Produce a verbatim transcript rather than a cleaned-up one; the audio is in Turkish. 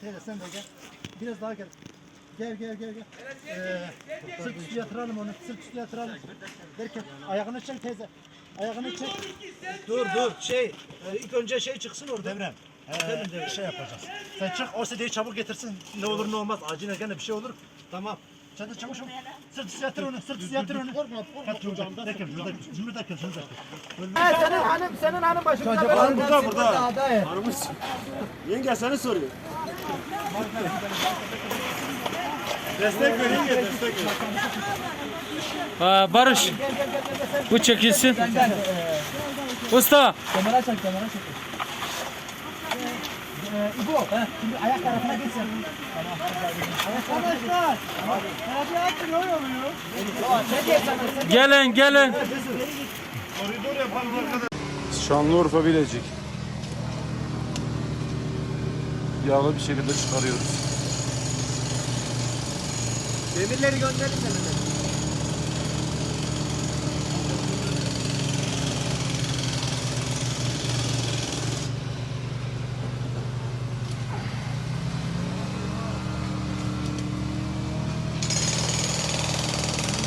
Teyze sen de gel. Biraz daha gel. Gel gel gel gel. Ee, sırt üstü yatıralım onu. Sırt üstü yatıralım. Derken ayağını çek teyze. Ayağını çek. Dur dur şey. E, ilk önce şey çıksın orada. Devrem. Ee, şey yapacağız. Sen çık o sedeyi çabuk getirsin. Ne olur ne olmaz. Acil gene bir şey olur. Tamam. Sen de çabuk çabuk. Sırt üstü yatır onu. Sırt üstü yatır onu. Korkma korkma. Şurada derken şurada şurada derken şurada. Ha senin hanım senin hanım başımda. Hanım burada burada. Hanımız. Yenge seni soruyor. Destek ver yenge destek ver. Aa, Barış. Bu çekilsin. Usta. Kamera çek kamera çek. Ee, İbo, şimdi ayak tarafına geç sen. Arkadaşlar, hadi açın ne oluyor? Gelin gelin. Koridor yapalım arkadaşlar. Şanlıurfa Bilecik. Yağlı bir şekilde çıkarıyoruz. Demirleri gönderin demirleri.